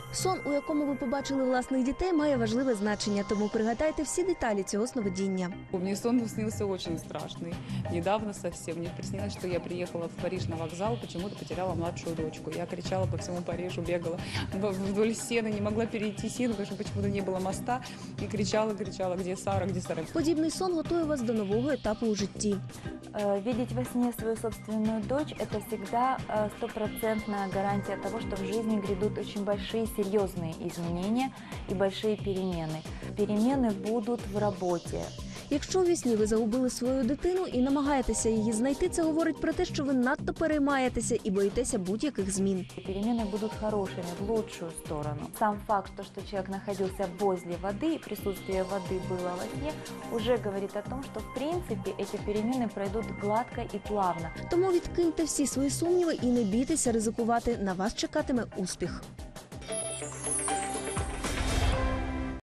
Сон, у якому ви побачили власних дітей, має важливе значення, тому пригадайте всі деталі цього сновидіння. Мне сон снился очень страшный. Недавно совсем. Мне приснилось, что я приехала в Париж на вокзал, почему-то потеряла младшую дочку. Я кричала по всему Парижу, бегала вдоль Сены, не могла перейти Сену, потому что почему-то не было моста. И кричала, где Сара, где Сара. Подібний сон готує вас до нового етапу у житті. Видеть во сне свою собственную дочь – это всегда стопроцентная гарантия того, что в жизни грядут очень большие, серьезные изменения и большие перемены. Перемены будут в работе. Якщо у вісні ви загубили свою дитину і намагаєтеся її знайти, це говорить про те, що ви надто переймаєтеся і боїтеся будь-яких змін. Перемены будут хорошими, в лучшую сторону. Сам факт, что человек находился возле воды, и присутствие воды было во сне, уже говорит о том, что в принципе эти перемены пройдут гладко и плавно. Тому відкиньте всі свої сумніви і не бійтеся ризикувати. На вас чекатиме успіх.